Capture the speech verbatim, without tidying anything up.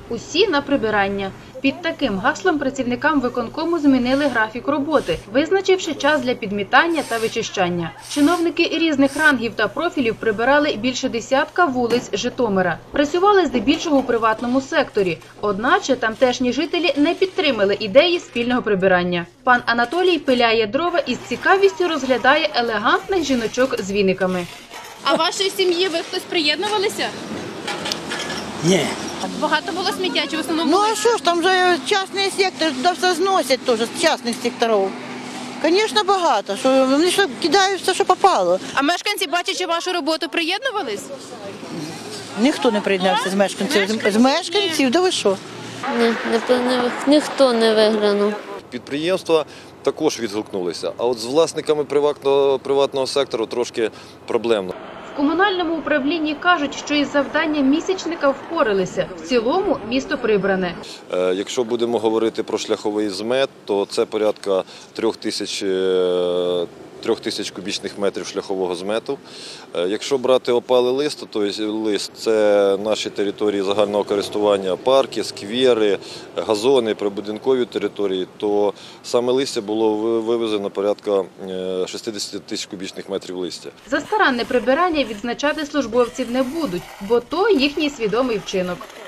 Усі на прибирання. Під таким гаслом працівникам виконкому змінили графік роботи, визначивши час для підмітання та вичищання. Чиновники різних рангів та профілів прибирали більше десятка вулиць Житомира. Працювали здебільшого у приватному секторі. Одначе тамтешні жителі не підтримали ідеї спільного прибирання. Пан Анатолій пиляє дрова і з цікавістю розглядає елегантних жіночок з віниками. А вашої сім'ї ви хтось приєднувалися? Ні. Багато було сміття, чи в основному? Ну а що ж, там же частний сектор, туди все зносять теж з частних секторів. Звісно, багато. Що, вони що кидають все, що попало. А мешканці, бачачи вашу роботу, приєднувались? Ніхто не приєднався з мешканців. З мешканців, да ви що? Ні, не, ніхто не виглянув. Підприємства також відгукнулися, а от з власниками приватного, приватного сектору трошки проблемно. В комунальному управлінні кажуть, що із завданням місячника впоралися. В цілому місто прибране. Е, якщо будемо говорити про шляховий змет, то це порядка трьох тисяч, е, трьох тисяч кубічних метрів шляхового змету. Е, якщо брати опалий лист, то лист – це наші території загального користування, парки, сквери, газони, прибудинкові території, то саме листя було вивезено порядка шістдесят тисяч кубічних метрів листя. За старанне прибирання відзначати службовців не будуть, бо то їхній свідомий вчинок.